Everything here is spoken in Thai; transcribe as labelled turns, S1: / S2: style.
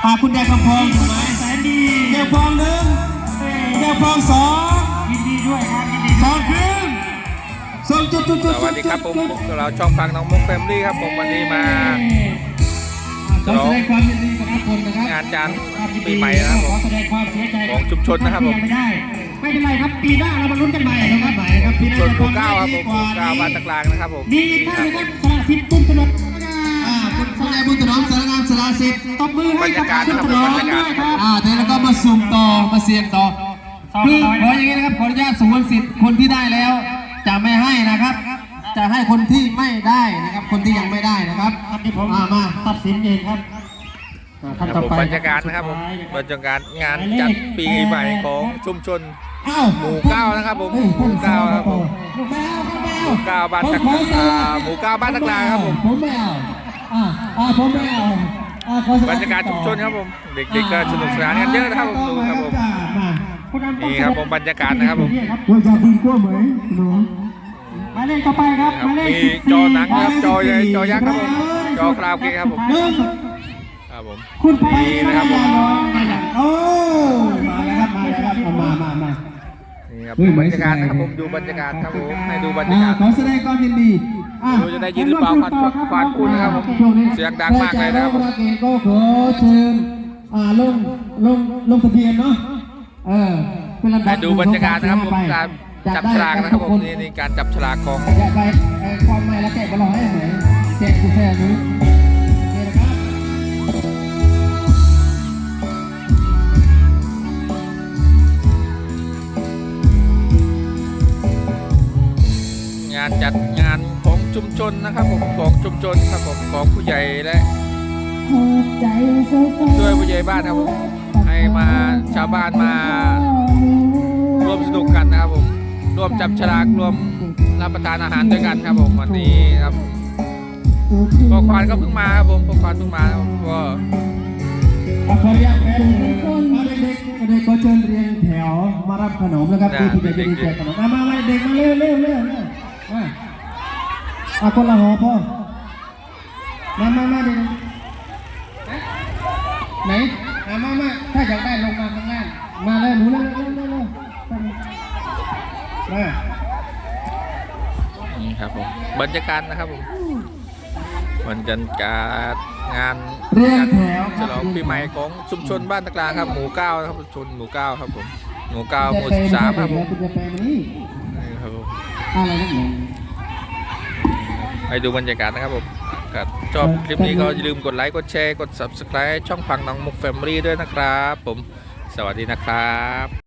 S1: คุณแดงคำพองถูกไหม
S2: แสนดี
S1: แดงพองหนึ่งแดงพองสอง
S2: ยินดีด้วยครับยินดี
S1: สองครึ่งสองจุด
S3: สวัสดีครับผมเราช่องฟังน้องมุกแฟมิลี่ครับผมวันนี้มา
S2: ขอแสดงความยินดีกับทุกคนนะครับ
S3: งานจานปีใหม่นะครับผมของชุมชนนะครับผม
S2: ไม่เป็นไรครับปีหน้าเรามาลุ้นกันใหม่นะครับใหม่ครับ
S3: ชุมชนหมู่ 9ครับผมหมู่ 9บ้านตะกลางนะครับผม
S2: ดีท่านนะครับสละสิทธิ์ตุ้มตลอด
S1: คุณนายบุญถนอมสารงามสละสิทธิ์
S2: ตบมือให้กับบรรยากาศนะครับบรรยากาศ
S1: เดี๋ยวเราก็มาสุ่มต่อมาเสี่ยงต่อคือขออย่างนี้นะครับขออนุญาตสงวนสิทธิ์คนที่ได้แล้วจะไม่ให้นะครับจะให้คนที่ไม่ได้นะครับคนที่ยังไม่ได้นะครับ
S2: ที่ผมมาตัดสินเองครับ
S3: บรรยากาศนะครับผมบรรยากาศงานจัดปีใหม่ของชุมชนหมู่ 9นะครับผมหมู่ 9ครับผมหมู่ 9บ้านตะกลางหมู่ 9บ้านตะกลางครับผม
S1: ผมไม่เอาผมไม่เอา
S3: บรรยากาศชุมชนครับผมเด็กๆก็สนุกสนานกันเยอะนะครับผมดูครับผมนี่ครับผมบรรยากาศนะครับผม
S1: ว่าจะดึงกลัวไหมหนู
S2: มาเล่นต่อไปครับ
S3: มีจอหนังครับจอใหญ่จอยักษ์ครับผมจอคราวเกครับผมครับผม
S2: คุณ
S3: นี่นะครับผม
S1: โอ้มาแล้วครับมาแล้วครับมา
S3: นี่ครับบรรยากาศนะครับผมดูบรรยากาศครับผมให้ดูบรรยากาศ
S1: ขอแสดงความยินดี
S3: ดูจะได้ยินหรือเปล่าควานคุณนะครับผมเสียงดังมากเลยนะครับผม
S1: ก็ขอเชิญลงทะเบียนเนาะ
S3: ให้ดูบรรยากาศนะครับผมการจับฉลากนะครับผมนี่การจับฉลากของ
S1: อยากไปความไม่แล้วแกะบอลให้ไหมแกะกูแค่นี้
S3: งานจัดงานของชุมชนนะครับผมของชุมชนครับผมของผู้ใหญ่และช่วยผู้ใหญ่บ้านครับผมให้มาชาวบ้านมาร่วมสนุกกันนะครับผมร่วมจับฉลากร่วมรับประทานอาหารด้วยกันครับผมวันนี้ครับพอควานก็เพิ่งมาครับผมพอควานเพิ่งมาก็
S1: ขออนุญาตเป็นเด็กก็เชิญเรียงแถวมารับขนมนะครับผู้ใหญ่จะดีแจกขนมมาเด็กมาเร็วคนละห่อพ่อมาเด็กไหนมาถ้าอยากได้ลงมาข้างล่างมาเลยหนูเลย
S3: นี่ครับผมบรรยากาศนะครับผมบรรยากาศงานฉลองปีใหม่ของชุมชนบ้านตะกลางครับหมู่ 9ครับชุมชนหมู่ 9ครับผมหมู่ 9หมู่ 13ครับผมนี่ครับผมไปดูบรรยากาศนะครับผมชอบคลิปนี้ก็อย่าลืมกดไลค์กดแชร์กด Subscribe ช่องฟังน้องมุกแฟมิลี่ด้วยนะครับผมสวัสดีนะครับ